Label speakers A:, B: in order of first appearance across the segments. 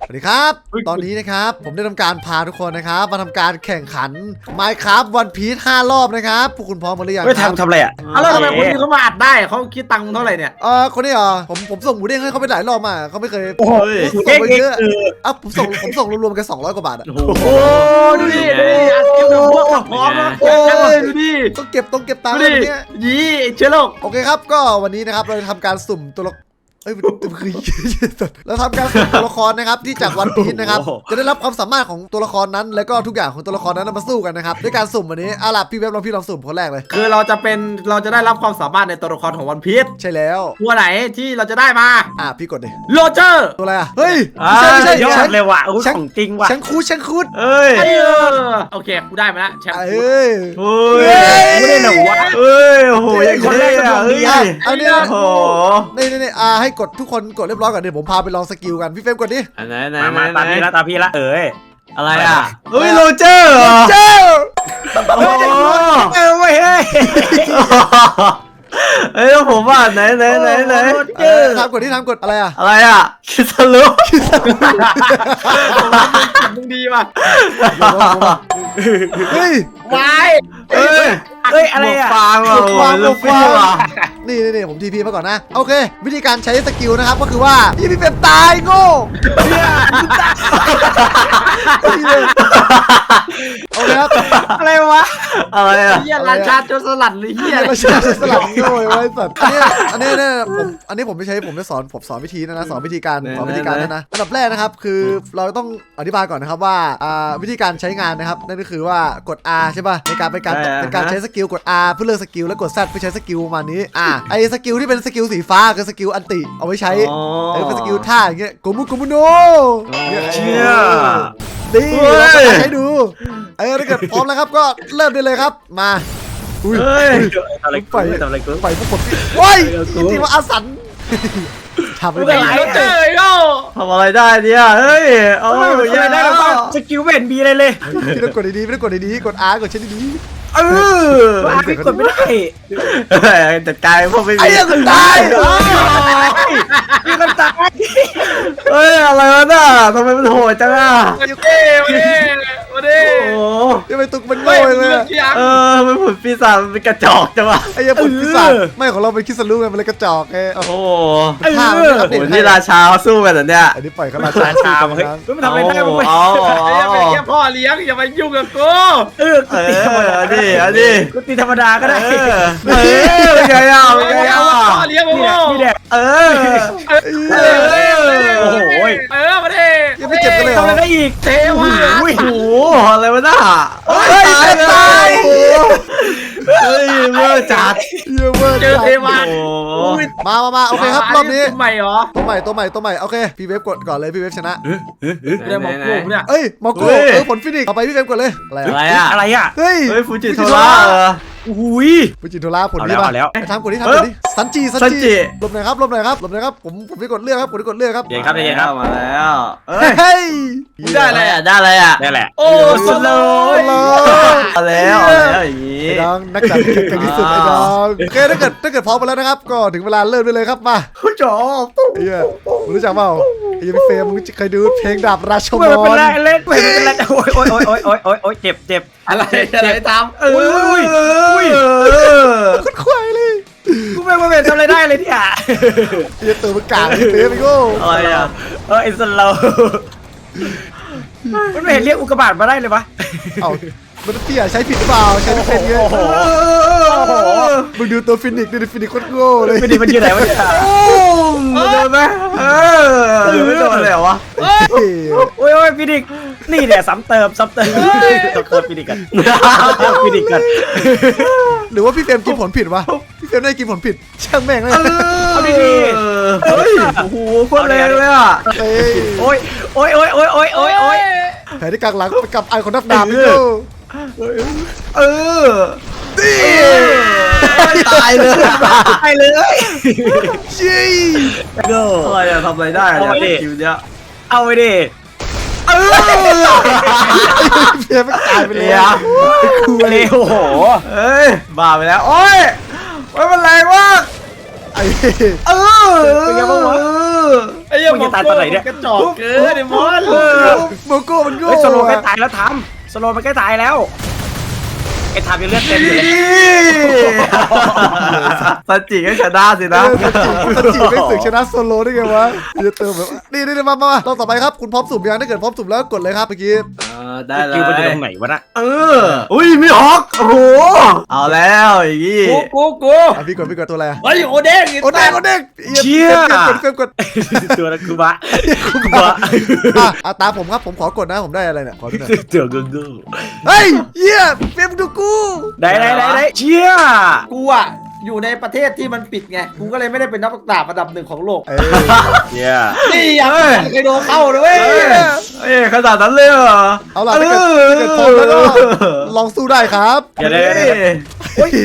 A: สวัสดีครับตอนนี้นะครับผมได้ทำการพาทุกคนนะครับมาทำการแข่งขัน Minecraft One Piece 5 รอบนะครับพวกคุณพร้อมหมดหรือยังครับ
B: ทำอะไรอ่ะ
C: แล้วทำไมคนนี้เขามาอัดได้เขาคิดตังค์เท่าไหร่เนี่ย
A: คนนี้เหรอผมส่งหมูเด้งให้เขาไปหลายรอบมาเขาไม่เคย
B: โอ้ย
A: ส่งไปเยอะผมส่งรวมๆกัน200 กว่าบาทอะ
C: โอ้ดูดิอัดเก็บพวกพร้อมแล้วดูดิ
A: ต้องเก็บตังค์
C: ดู
A: อะไร
C: ดิ
A: เงี้ย
C: ยี่เชื้อโรค
A: โอเคครับก็วันนี้นะครับเราจะทำการสุ่มตัวละเอ้ยคือเราทำการสุ่มตัวละครนะครับที่จากวันพีชนะครับจะได้รับความสามารถของตัวละครนั้นแล้วก็ทุกอย่างของตัวละครนั้นมาสู้กันนะครับด้วยการสุ่มวันนี้ล่ะพี่เว็บลองสุ่มคนแรกเลย
C: คือเราจะได้รับความสามารถในตัวละครของวันพีช
A: ใช่แล้ว
C: ตัวไหนที่เราจะได้มา
A: พี่กดดิ
C: โรเจอร์
A: ตัวอะไรเฮ้ย
B: ไม่
A: ไม่ใช่
B: ยอดเลยว่ะโอ้ยของจริงว่ะ
A: ฉันคูด
B: เอ้ย
C: โอเคกูได้มาแล้วแชมป์
A: เอ้ย
B: โอ้ยไม่ได้หรอวะเอ้ยโอ้โหยังคนแรกอ่ะเอ้ย
A: อันนี้
B: โอ้โห
A: นี่ให้กดทุกคนกดเรียบร้อยก่อนเดี๋ยวผมพาไปลองสกิลกันพี่เฟรมกดดิ
B: อันไหนมาตามพี่ละเอ้ยอะไรอ่ะ
A: เฮ้
B: เฮ้
A: ย
B: ยโรเจอร์เหรอ
A: เจ้า
B: โอ้ไม่เฮ้ยเฮ้ยผมว่าไหน
A: ทำกดอะไรอ่ะ
B: อะไรอ่ะคิสลุ
C: มึงดีป่ะ
A: เฮ้ย
C: วาย
B: เอ้ยอะไรอ่ะฟางว่ะลูกฟี่ว่ะ
A: นี่ผมทีพีมาก่อนนะโอเควิธีการใช้สกิลนะครับก็คือว่าพี่เฟรมตายโง่โอเคครับ
B: อะไรวะอะไรอ่ะ
C: เฮียราชาโจรสลัดหรือเฮีย
A: ไม่ใช่สลับโง่ไว้สัตว์อันนี้ผมไม่ใช้ผมจะสอนวิธีนะสอนวิธีการนะอันดับแรกนะครับคือเราต้องอธิบายก่อนนะครับว่าวิธีการใช้งานนะครับนั่นก็คือว่ากด R ใช่ป่ะในการเป็นการใช้สกิลกด R เพื่อเลือกสกิลแล้วกด Z เพื่อใช้สกิลประมาณนี้ไอสกิลที่เป็นสกิลสีฟ้าคือสกิลอันติเอาไว้ใช้เป็นสกิลท่าอย่างเงี้ยโกมุโน
B: เชี่ย
A: ดีเราจะใช้ดูถ้าเกิดพร้อมแล้วครับก็เริ่มได้เลยครับมาอุ้ย
B: เฮ้ยอะไรกูทำอะไรกู
A: ไปพวกผมโอ้ยจริงๆว่าอาสันทำ
C: มึง
A: ไม่
C: ไหน
A: ได้
C: เจอไอ้โง่
B: ทำอะไรได้เนี่ยเฮ้ยเอายังได้หรอสกิลเวนบีอะไรเลย
A: พี่ต้องกดดีๆกด R กดเช่นดี
B: พี่กดไม่ได้จัดการพวกไม่มี
A: ไอ้ยังตาย
B: พี่ก็ตายเฮ้ยอะไรวะน่ะทำไมมันโหดจังอ่ะ
C: มาดิ
B: โอ้
A: ยังไม่ตุกมันโง่เลย
B: มันผุดปีศาจมันเป็นกระจอกจังวะ
A: ไอ้ยังผลพิศาจไม่ของเราเป็นคิสลูไงมันเลยกระจอกไง
B: โอ้โห
A: นี่
B: นี่ราชาสู้กันเหรอเนี่ย
A: อันนี้ปล่อยเขารา
B: ราชาเฮ้ยมันทำอะไรได้มึง
C: ไอ้ยังเป็นแค่พ่อเลี้ยงอย่ามายุ่งกับกู
B: กูตีธรรมดากูตีธรรมดาก็ได้เป็นไงอ่ะเป็นไงอ่ะ
C: พ่อเลี้ยงมึง
B: นี่แหละโอ้โห
C: มาดิ
A: ยังไม่เจ็บกันเลยเหร
B: ทำ
A: อ
B: อะไรได้อีก
C: เทวะ
B: โอ้โหอะไรวะน่ะตายเฮ้ยเมื่อจัด
A: เยอะมาก
C: เจอเทวะ
A: มาโอเคครับรอบนี้
C: ใหม่เหรอ
A: ตัวใหม่โอเคพี่เวฟกดก่อนเลยพี่เวฟชนะ
C: เดี๋ยวหมอกูเนี่ย
A: เอ้ยมอโก้ผลฟินิกต่อไปพี่เวฟกดเลยอะไร
B: อ่ะ
A: เฮ้ย
B: ฟูจิโทระอุ้ย
A: ฟูจิโทระผลนี้ป่ะทำกดที่ซันจิหลบหน่อยครับผมไปกดเลือกครับกดเลือกครับ
B: เย็นครับมาแล้ว
A: เฮ้ย
C: ได้อะไรอ่ะ
B: ได้แหละโอ้สโลมาแล้วอย่างนี้
A: ไอ้น้องนักจัดเก่งที่สุดไอ้น้องโอเคถ้าเกิดพร้อมไปแล้วนะครับก็ถึงเวลาเริ่มได้เลยครับมา
B: ผู้จอ
A: ไอ้เหี้ยมึงรู้จักเปล่าไอ้ยังพี่เฟรมมึงเคยดูเพลงดาบราชม
B: ไม่เป็น
A: น
B: ไรเล่นไม่เป็นไรโอ้ยเจ็บ
C: อะไรตาม
B: อุ้ย
A: คุดควายเลย
B: กูไม่มาเป็นทำอะไรได้เลยเนี่ย
A: ไอ้ตัวมันกากไอ้เฟรมไอ้โง่
B: อะไรอ่ะไอ้สโลมันไม่เห็นเรียกอุกกาบาตมาได้เลยวะ
A: เอ้ามันเตี้ยใช้ผิดหรือเปล่าใช้ไม่เป็นไงมึงดูตัวฟินิกซ์ดูฟินิกซ์โคตรโง่เลย
B: ฟินิกมันอยู่ไหนวะเนี่ยโดนไหมไม่โดนเลยเหรอวะโอ้ยฟินิกนี่เนี่ยซ้ำเติมฟินิกกันฟินิกกัน
A: หรือว่าพี่เฟรมกินผลผิดวะพี่เฟรมได้กินผลผิดช่างแม่งเลย
B: เอาดีๆเฮ้ยโอ้โหโคตรแรงเลยอ่ะโอ้ย
A: แผลที่กลางหลังไปกับไอคอนนับดาบนี่โ
B: ตายเลย
A: ชี้
B: อะไรอะทำอะไรได้เนี่ยคิวเนี้ยเอาไปดิ
A: เพียมันตายไปเลย
B: เลยโอ้โหเอ้ยบ้าไปแล้วโอ้ยมันแรงมาก
A: ไอ้
B: เป็นไงบ้างวะ
C: ไอ้ยังจะตายตอนไหนเนี่ยกระจอกเกินไอ้มอน
A: โก้มันโง่
B: เฮ้ยสโลว์ใกล้ตายแล้วทำสโลว์มันใกล้ตายแล้วไอ้ทำยังเลือดเต็มอยู่เลย
C: สัจจิก็ชนะสินะ
A: สจิไม่สึกชนะโซโลได้ไงวะจะเติมแบบนี่มาเราต่อไปครับคุณพร้อมสุ่มยังถ้าเกิดพร้อมสุ่มแล้วกดเลยครับเมื่อกี้
C: ได้เล
B: คิวมันอยู่ต
C: ย
B: รงไหนวะน่ะ
C: อุ้ยมีฮอกโอ้โหเอาแล้วอย่างงี้
B: กู
A: พี่กดตัวอะไร
B: เฮ้ยโอเด้ง
A: โอเด้งกด
B: ตัวนั้นคือบะ
A: ตามผมครับผมขอกดนะผมได้อะไรเนี่ยขอดูหน่อย
B: ตัวกู
A: เฮ้ยเยี่ยเฟรมดูกู
B: ได้เชี่ย
D: กูอ่ะอยู่ในประเทศที่มันปิดไงกูก็เลยไม่ได้เป็นนักดาบอันดับ1ของโลก
B: เชี่ย
D: นี่อ่ะเคยโดนเข้าด้วย
C: เอ้ยขนาดนั้นเลยเหรอ
A: เอาล่ะถ้าเกิดพร้อมแล้วก็ลองสู้ได้ครับ
B: อย่าได้
A: เฮ้ย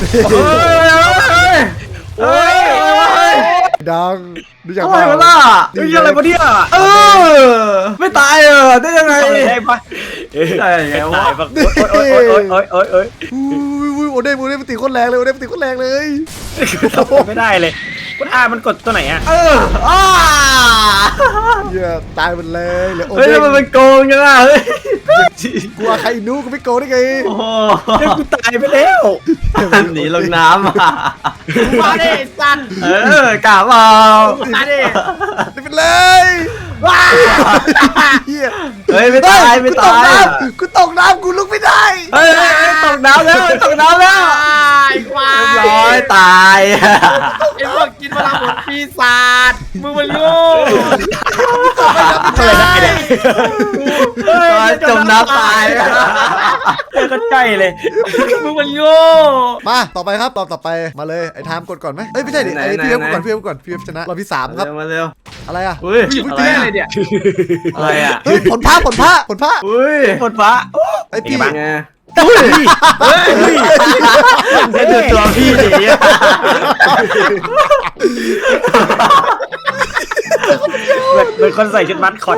C: เฮ้ย
A: ดังดูอย่าง
C: อะไรวะล่ะ
B: นี่อะไรวะเนี่ย
C: ไม่ตายได้ยังไง
B: ได้ปะ
C: ได้ไงวะ
B: โอ้ย
A: อุ้ยโอเด้มันตีโคตรแรงเลยโอเด้มันตีโคตรแรงเลย
B: ไม่ได้เลยคุณมันกดตัวไหนอ่ะ
A: เยี่ยตายหมดเลยเหลือโอ
C: เฮ้ย
A: เด้
C: มันเป็นโกงจังอ่ะเฮ้ย
A: กลัวใครนู้ก็ไม่โกงได้ไง
C: โอ้โห
B: กูตายไปแล้ว
C: หนีลงน้ำอ่ะ
D: มาดิสัน
C: กล่าวเปล่า
D: มาดิ
A: ได้เป็นเลยว้าเฮีย
C: เฮ้ยไม่ตายไม่ตาย
A: กูตกน้ำกูลุกไม่ได้
C: เฮ้ยตกน้ำแล้วตกน้ำแล้ว
D: ไอ้ควาย
C: ร้อยตาย
D: ไอ้พวกกินพลังหมดปีศาจมึงมันโง่
B: อะไรได้เนี่ย
C: จมน้ำตาย
B: ก็ใกล้เลย
D: มึงมันโง่
A: มาต่อไปครับต่อไปมาเลยไอ้ไทม์กดก่อนไหมเอ้ยไม่ใช่ดิไอ้พี่เอฟก่อนพี่เอฟชนะเราพี่3ครับ
C: มาเร็ว
A: อะไรอ่ะ
C: อุ้ย
D: มึงเจ๊อะไรเนี่ย
C: อะไรอ่ะ
A: เฮ้ยผลผ้า
C: อุ้ย
B: ฝนฟ้า
A: ไอ้พี่
C: ไง
B: ให้ดูตัวพี่ดิเป็นคนใส่ชุดมัดคอต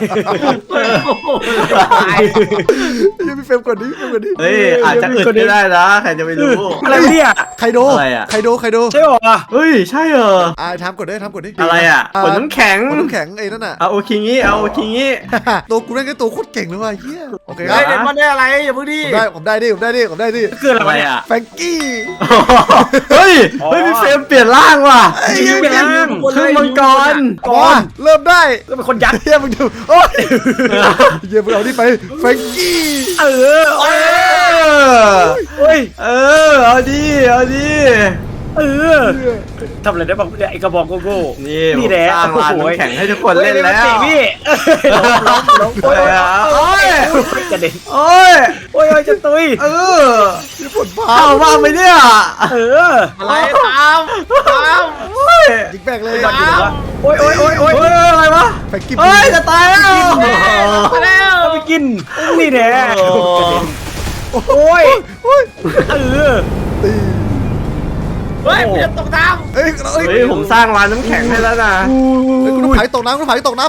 A: ยังมีเฟรมกดดิ
C: เฮ้ยอาจจะอึดไม่ได้นะใครจะไม่รู้
B: อะไรเนี่ย
A: ไคโด
C: อะไรอะ
A: ไคโด
B: ใช่หรอ
C: เฮ้ยใช่เหรอ
A: ไอ้ไทม์กดดิทำกดดิ
C: อะไรอ่ะผลน้ำแข็ง
A: ผลน้ำแข็งไอ้นั่นน่ะ
C: เอาโอคิงี้เอาโอคิงี้
A: ตัวกูนั่นก็ตัวโคตรเก่งเลยว่ะเฮียโอเคค
D: ไอ้
A: รับ
D: เด็กมันได้อะไรอย่าเพิ่งดิ
A: ผมได้ดิ
B: คืออะไร
C: อะไร
B: วะเนี่ย
C: อ่ะ
A: แฟรงกี้
C: เฮ้ยพี่เฟรมเปลี่ยนร่างว่ะ
B: ยังเป็นร่าง
C: ครึ่งมังกร
A: ก่อนเริ่มได้
B: ก็เป็นคนยักษ์
A: เฮียมึงดูโอ้ยเฮียมึงเอานี่ไปแฟรงกี้
B: เออ
C: เออเอาดิ
B: เออทำอะไรได้บ้างเนี่ยไอกระบอกโก้
C: นี่
B: นี่แหละ
C: สร้างร้านน้ำแข็งให้ทุกคนเล่นแล้ว
B: พี่ล้ม
C: โอ้ย
B: กระเด็น
C: โอ้ย
B: โอ้ยจะตุย
A: นี่ผลผ้า
C: เอามาไปเนี่ย
B: เออ
D: อะไรตาม
A: ยิงแบกเลย
B: โอ้ย
C: อะไรวะ
A: แฟรงกี้
C: เฮ้ยจะตายแล้ว
D: มาแล้ว
B: เอาไปกินนี่แหละโอ้ยเออ
A: ตี
D: เฮ้ยมึงจะตกน้
A: เฮ้ย
C: เฮ้ยผมสร้างร้านน้ำแข็งให้แล้วนะ
A: กูต้องผายตกน้ำ
B: กูจะตาย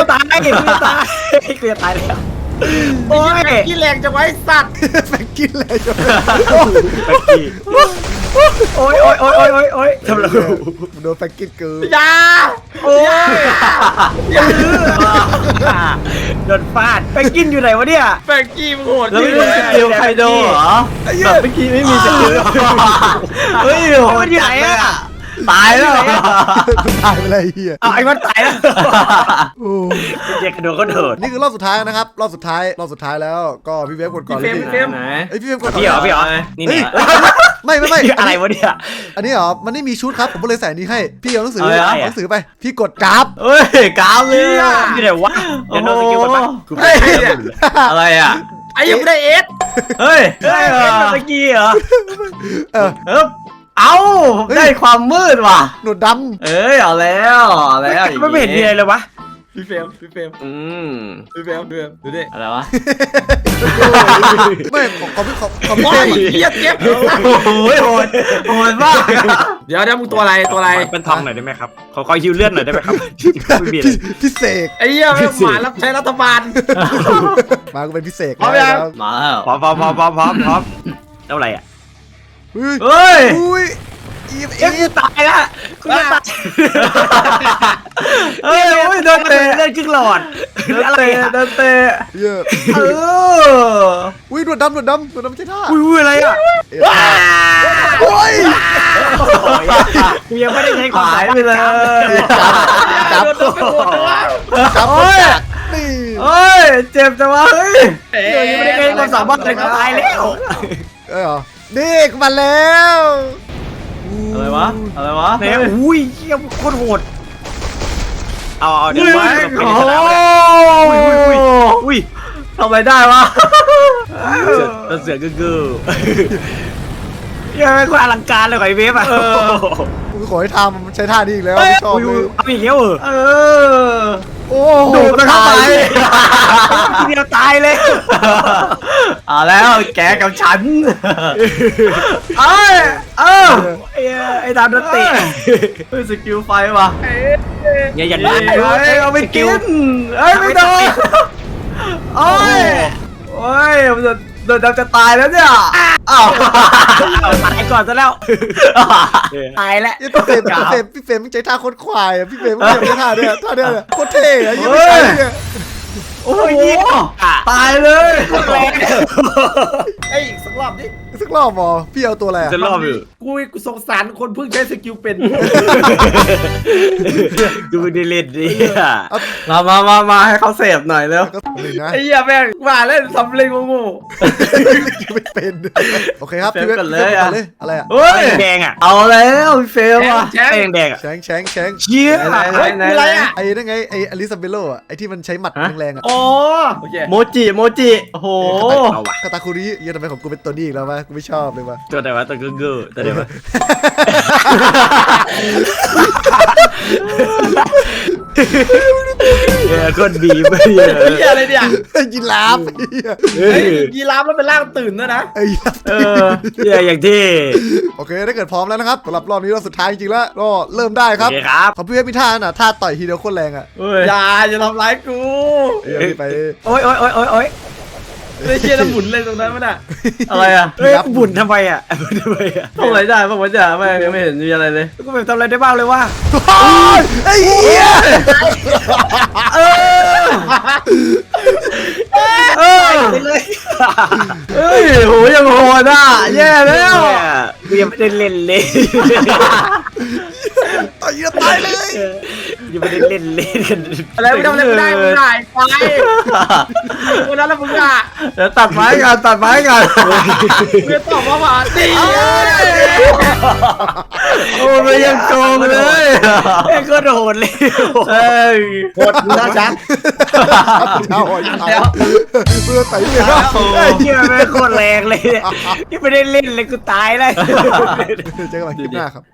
B: แล้วโอ้ย
D: ำขี้แรงจะไว้สัตว์
A: แฟรงกี้เลยจ้ะ
B: โอ้ยทำอะไร
A: โดนแฟรงกี้เกิน
D: อย่า
B: โอ้ยโดนฟาดไปกินอยู่ไหนวะเนี่ย
D: แฟงกี้มึงโหด
C: แล้ว
D: จริ
C: ไม่
D: ง
C: มี
D: เลย
C: สกิลไคโดเหรอแบบเมื่อกี้ไม่มีสกิลเฮ้ยโหดจัดเลยอ่ะตายแล้ว
A: ตายไปเลยเฮีย
B: เอาไอ้มันตายแล้ว
A: โอ้
B: เจ๊กระโดดก็เถิด
A: นี่คือรอบสุดท้ายนะครับรอบสุดท้ายแล้วก็พี่เวฟกดก่อนเลย
C: ไหน
A: เอ้ยพี่เวฟกดก่อน
B: พี่เหรอนี่เนี่ย
A: ไม่
B: อะไรวะเนี่ย
A: อันนี้เหรอมันไม่มีชุดครับผมก็เลยใส่อันนี้ให้พี่เอาหนังสือ
B: อะไรอ่ะ
A: หนังสือไปพี่กดกราฟ
C: เฮ้ยกาวเลยอ่ะ
B: อยู่ไหนวะเดี๋ยวโดนสกิลกันปะ
C: อะไรอ่ะ
D: ไอ้ยังไม่ได้เอส
C: เฮ้ย
B: เฮ้ยเป็นสกีเหรอ
A: เออ
C: เอาได้ความมืดว่ะ
A: หนวดด
C: เอ้ยเอาแล้วอย่าง
B: ไม่เห็นมีอะไรเลยวะ
D: พี่เฟรม
C: อืม
D: พี่เฟรมดูดิ
C: อะไรวะ
A: ำไม่ของพี่
D: โอ้
A: เต้
D: ยเหี้ยเจ็บ
C: โอ้ยโหดมาก
D: เดี๋ยวมึงตัวอะไร
B: เป็นทองหน่อยได้ไหมครับขอฮิวเลือดหน่อยได้ไหมครับไม่มีอะไร
A: พี่เสก
D: ไอ้เหี้ยไม่หมารับใช้รัฐบาล
A: มากูเป็นพี่เสก
D: พร้อมยัง
A: แล้ว
C: มาแล้ว
B: พร้อมเท่าไหร่อ่ะ
A: เฮ้ย
C: เฮ้ย
A: อุ้ยอีฟ
B: เอ้ยกูตายละกูจะตาย
C: เฮ้ยโอ้ยโดนเตะ
B: เลือดครึ่งหลอด
C: โดน
B: อะไร
C: เตะ
B: อะ
C: โดนเตะ
A: เหี้ย
C: เออ
A: อุ้ยดวดดำไม่ใช่ท่า
B: อุ้ยอะไรอ่ะ
A: โอ้ย
B: กูยังไม่ได้ใช้ความ
C: หา
B: สาย มารถ
C: ไปเลย
A: จับ
D: โดนไปหมดเลยว่ะ
A: จับ
C: โอ้ย
A: นี่
C: โอ้ยเจ็บจังวะเฮ้ย
B: เดี๋ยวยังไม่ได้ใช้ความสามารถเลยกูตายแล้ว
A: เหรอนี่กูมาแล้ว
C: อะไรวะอะไรวะ
B: เนี่ยอุ้ยเหี้ยโคตรโหดเอาเดี๋ยว
C: อุ้ย
B: ไว้
C: โอ้
B: ไปในสนามเลย
C: อุ้ยทำอะไรได้วะ
B: เสือกึ่ยังไม่ค่อยอลังการเลยไอ้เวฟอ่ะ
A: กูขอให้ทำมันใช้ท่านี้อีกแล้วไม่ชอบเลย
B: เอาอีกแล้วเหรอ
C: เออ
A: โอ้
C: ดูดมันเข้าไป
B: ทีเดียวตายเลย
C: เอาแล้วแกกับฉันเอ้ยเออ
B: ไอ้ดาวโดนเตะ
C: เฮ้ยสกิลไฟว่ะ
B: อย่าอย่า
C: เฮ้ยเอาไปกินเอ้ยไม่โดนโอ้ยโอ้ยมันโดนจะตายแล้วเนี่ยอ้าว
B: ตายก่อนซะแล้วตายแล้ว
A: พี่เฟรมไม่ใช้ท่าโคตรควายอ่ะพี่เฟรมไม่ใช้ท่าเนี่ยโคตรเท่อะยังไม่ใช่เนี่ย
C: โอ้ยตายเลย
D: ไอ้ยอีกสักรอบดิ
A: สักรอบหมอพี่เอาตัวอะไรอ่ะ
B: จะรอบอยู่
D: กูสงสารคนเพิ่งใช้สกิลเป็น
B: ดูได้เล่นดิ
C: มาให้เขาเสพหน่อยเร็ว
A: ก็หนึ่งนะ
D: ไอ้เหี้ยแม่งมาเล่นทำเล่นโง่
A: ไม่เป็นโอเคครับพี่เวทเลยอะไรอ่ะ
C: เฮ้ย
B: แดงอ่ะ
C: เอาแล้วพี่เฟล
D: ๆ
C: ว่ะ
D: แชมป์
B: แดงอ่ะ
A: แชง
B: เชี่ย
C: ไหน
D: เฮ้ยคืออะไรอ่ะ
A: ไอ้นั่นไงไอ้อลิซาเบโลอ่ะไอ้ที่มันใช้หมัดแรงๆอ่ะ
D: อ๋อโอเค
C: โมจิโอ้โห
B: เอาว่ะ
A: กาตาคุริเหี้ยทำไมของกูเป็นตัวนี้อีกแล้ววะกูไม่ชอบเลยวะ
B: ตัวไหนวะตัวกึ่งตัวไหนวะคนบีบไปเลย
D: ไอ้เหี้ยอะไรเนี่ย
A: ไอ้ยีราฟ
D: เฮ้ยยีราฟแล้วเป็นร่างตื่นด้วยนะ
A: ไอ้ยีราฟ
C: เออ
B: อย่างที่
A: โอเคถ้าเกิดพร้อมแล้วนะครับสำหรับรอบนี้รอบสุดท้ายจริงๆแล้วก็เริ่มได้ครับ
B: โอเคครับ
A: ของพี่เวทมีท่าน่ะท่าต่อยทีเดียวโคตรแรงอ่ะ
C: เฮ้ย
D: อย่าทำร้ายกู
A: ไป
B: โอ้ย
D: ไอ้เชี่ยแล้วหมุนเลยตรงนั้นมันอ่ะ
C: อะไรอ่ะ
B: เฮ้ยบุญทำไมอ่ะบุญทำไมอ่ะ
C: ทำอะไรได้บ้างวะจ๊ะไม่ยังไม่เห็นมีอะไรเลย
B: กูแบบทำอะไรได้บ้างเลยว่า
A: ไอ้เหี้ย
B: ไปเลย
C: เฮ้ยโหยังโหดอ่ะแย่แล้ว
B: กูยังไม่ได้เล่นเลย
A: ต่อยเยอะตายเลย
B: ยังไม่ได้เล่นกัน
D: อะไรไม่ทำอะไรไม่ได้มึงได้ไปวันนั้นแล้วมึงอ่ะ
C: เดี๋ยวตัดไม้กัน
D: มึงจะตอบว่ามาดี
C: โอ้ยยังโกงเลย
B: ไอ้ก็โดนเลย
C: เฮ้ย
D: โคตรมึงนะชัก
A: เท้าอ่อนเท้าเพื่อไต่เลย
B: ที่มันไม่โคตรแรงเลยยังไม่ได้เล่นเลยกูตายเลย
A: เจอกันใหม่คลิปหน้าครับ